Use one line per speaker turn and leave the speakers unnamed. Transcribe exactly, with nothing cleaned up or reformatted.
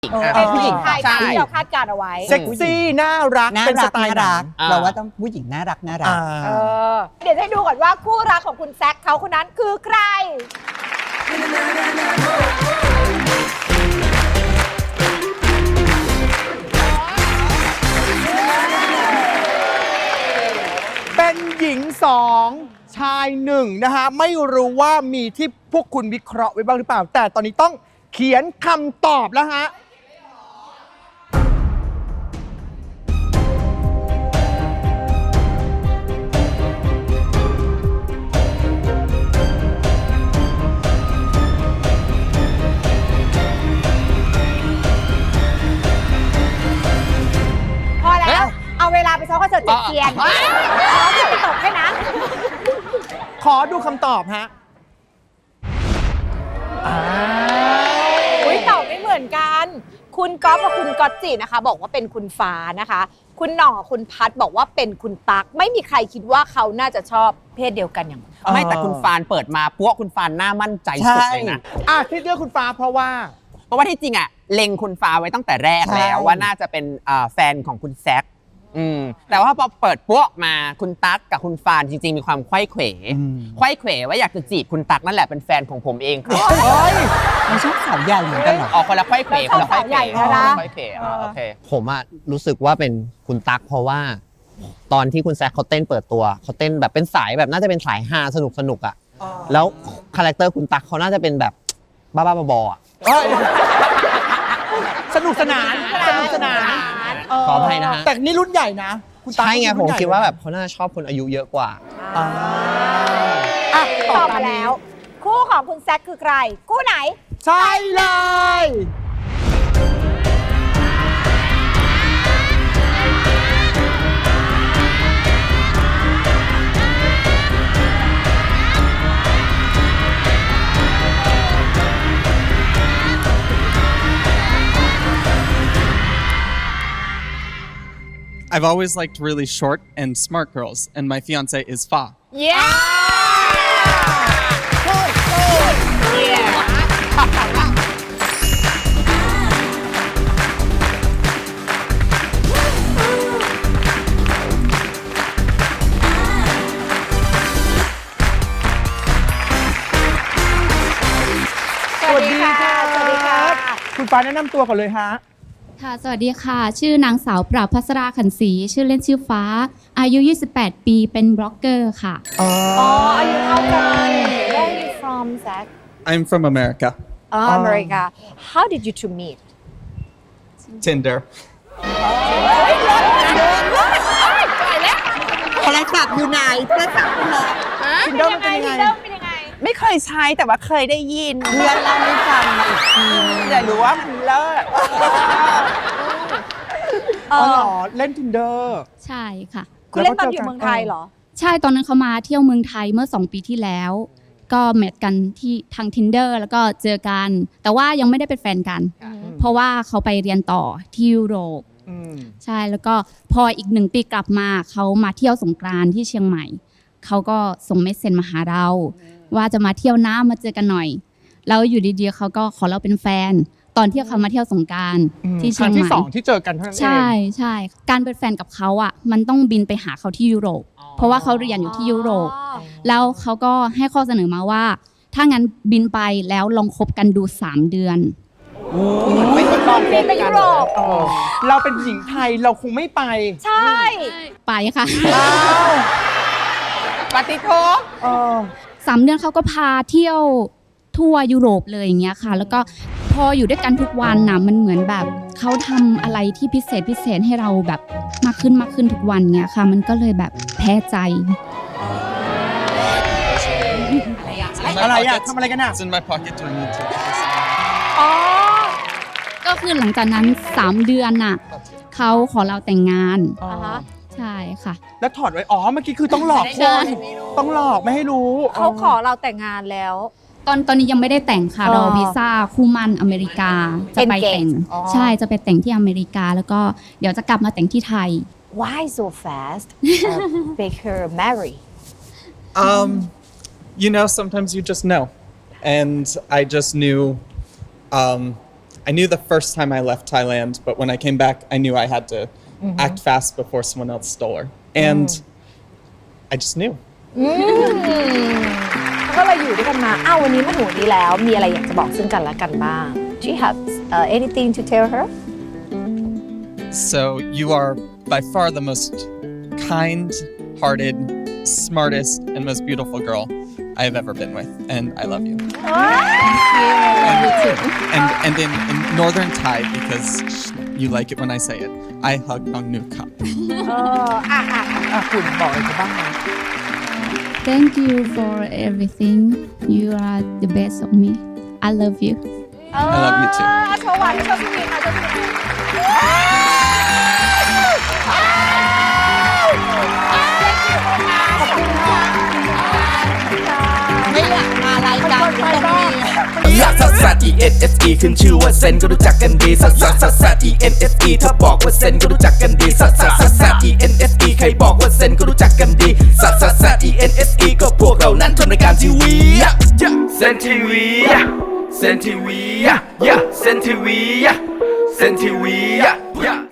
เป็นผู้หญิงไทยที่เราคาดการเอาไว้
เซ็กซี่น่ารักเป็นสไตล์รัก
เราว่าต้องผู้หญิงน่ารักน่ารัก
เออเดี๋ยวให้ดูก่อนว่าคู่รักของคุณแซคเขาคนนั้นคือใคร
เป็นหญิงสองชายหนึ่งนะฮะไม่รู้ว่ามีที่พวกคุณวิเคราะห์ไว้บ้างหรือเปล่าแต่ตอนนี้ต้องเขียนคำตอบแล้วฮะ
พอแล้วเอาเวลาไปซ้อมคอนเสิร์ตเจ็ดเทียนซ้อมไปตกแค่นั้น
ขอดูคำตอบฮะอ้าว
อุ้ยตอบไม่เหมือนกันคุณก๊อฟกับคุณก๊อตจินะคะบอกว่าเป็นคุณฟ้านะคะคุณหน่องกับคุณพัดบอกว่าเป็นคุณตั๊กไม่มีใครคิดว่าเขาน่าจะชอบเพศเดียวกันอย่าง
ไม่แต่คุณฟานเปิดมาพวกคุณฟานหน้ามั่นใจสุดเลยนะ
อ่ะที่เลือกคุณฟ้าเพราะว่า
เพราะว่าที่จริงอ่ะเล็งคุณฟ้าไว้ตั้งแต่แรกแล้วว่าน่าจะเป็นแฟนของคุณแซคอืมแต่ว่าพอเปิดพวกมาคุณตั๊กกับคุณฟานจริงๆมีความไขว้เขวไขว้เขวว่าอยากจะจีบคุณตั๊กนั่นแหละเป็นแฟนของผมเองครับ
เฮ้ยมันชอบสาวใหญ่เหมือนกันเหรอ
อ๋อคนละไขว้เขวคนละไขว้เขวคนละไขว้เขวโอเค
ผมอะรู้สึกว่าเป็นคุณตั๊กเพราะว่าตอนที่คุณแซคเขาเต้นเปิดตัวเขาเต้นแบบเป็นสายแบบน่าจะเป็นสายฮาสนุกสนุกอะแล้วคาแรคเตอร์คุณตั๊กเขาน่าจะเป็นแบบบ้าๆบอๆอะ
สนุกสนานสนุกสนาน
ขออภัยนะฮะ
แต่นี่รุ่นใหญ่นะ
ใช่ไงผมคิดว่าแบบเขาน่าชอบคนอายุเยอะกว่า
อ่ะตอบมาแล้วคู่ของคุณแซคคือใครคู่ไหน
ใช่เลย
I've always liked really short and smart girls, and my fiance is Fa.
Yeah!
Good, good. Yeah.
สวัสดีค่ะสวัสดีค่ะ
คุณฟ้าแนะนำตัวก่อนเลยฮะ
ค่ะสวัสดีค่ะชื่อนางสาวปราบภัสราขันศรีชื่อเล่นชื่อฟ้าอายุยี่สิบแปดปีเป็นบล็อกเกอร์ค่ะ
อ๋ออายุเท่ากัน Where are you from Zach
I'm from America.
Oh America How did you two meet
Tinder.
โทรศัพท์อยู่ไหนโทรศัพท์อยู่ไหน
ทินเดอร์มันเป็นยังไง
เป็นยังไง
ไม่เคยใช้แต่ว่าเคยได้ยิน
เพื่อนเล่าให้ฟังมาอีกที
แต่รู้ว่ามันเลิศ
อ๋อเหรอเล่น Tinder
ใช่ค่ะ
คุณเล่นตอนอยู่เมืองไทยเหรอ
ใช่ตอนนั้นเขามาเที่ยวเมืองไทยเมื่อสองปีที่แล้วก็แมทกันที่ทาง Tinder แล้วก็เจอกันแต่ว่ายังไม่ได้เป็นแฟนกันเพราะว่าเขาไปเรียนต่อที่ยุโรปใช่แล้วก็พออีกหนึ่งปีกลับมาเขามาเที่ยวสงกรานต์ที่เชียงใหม่เขาก็ส่งเมสเซจมาหาเราว่าจะมาเที่ยวน้ำมาเจอกันหน่อยแล้วอยู่ดีๆเขาก็ขอเราเป็นแฟนตอนที่เขามาเที่ยวสงกรานต์ที่เชียงใหม่
ครั้งที่สองที่เจอกันเท่านั้นเอง
ใช่ใช่การเป็นแฟนกับเขาอ่ะมันต้องบินไปหาเขาที่ยุโรปเพราะว่าเขาเรียนอยู่ที่ยุโรปแล้วเขาก็ให้ข้อเสนอมาว่าถ้างั้นบินไปแล้วลองคบกันดูสามเดือน
ไม่ทดลองบิน
ไปยุโรป
เราเป็นหญิงไทยเราคงไม่ไป
ใช่
ไปค่ะ
ปฏิโทษ
สามเดือนเขาก็พาเที่ยวทั่วยุโรปเลยอย่างเงี้ยค่ะแล้วก็พออยู่ด้วยกันทุกวันนะมันเหมือนแบบเขาทำอะไรที่พิเศษพิเศษให้เราแบบมากขึ้นมากขึ้นทุกวันเงี้ยค่ะมันก็เลยแบบแพ้ใจ
อะไรอะทำอะไรกันอะ
It's in my pocket. Do I need to?
อ๋อ
ก็คือหลังจากนั้นสามเดือนน่ะเขาขอเราแต่งงานใช่ค่ะ
แล้วถอดไว้อ๋อเมื่อกี้คือต้องหลอกคนต้องหลอกไม่ให้รู้
เขาขอเราแต่งงานแล้ว
ตอนตอนนี้ยังไม่ได้แต่งค่ะรอวีซ่าคู่มั่นอเมริกาจะไปแต่งใช่จะไปแต่งที่อเมริกาแล้วก็เดี๋ยวจะกลับมาแต่งที่ไทย
Why so fast make her marry
Um, you know, sometimes you just know, and I just knew. Um, I I knew the first time I left Thailand, but when I came back, I knew I had to act fast before someone else stole her. And I just knew.
อืมก็เลยอยู่ด้วยกันมาอ้าววันนี้มาถึงวันนี้แล้วมีอะไรอยากจะบอกซึ่งกันและกันบ้าง Do you have uh, anything to tell her
So you are by far the most kind-hearted, smartest, and most beautiful girl I have ever been with, and I love you. And, and, and in, in Northern Thai, because you like it when I say it, I hug Nong Nu Kap.
เอออ่ะอ่ะอ่ะคุณบอกอะไรกันบ้างนะ
Thank you for everything. You are the best of me. I love you.
I love you too.
อ่ะโชว์หวานโชว์สวีทค่ะโชว์สวีท
ไม่อยากมารายการนี้ต้องมี
ลักซัสซัส E N S E ขึ้นชื่อว่าเซนก็รู้จักกันดีซัสซัสซัสซัส E N S E ถ้าบอกว่าเซนก็รู้จักกันดีซัสซัสซัสซัส E N S E ใครบอกว่าเซนก็รู้จักกันดีซัสซัสซัส E N S E ก็พวกเรานั้นทำรายการทีวีเซนทีวีเซนทีวีเซนทีวีเซนทีวี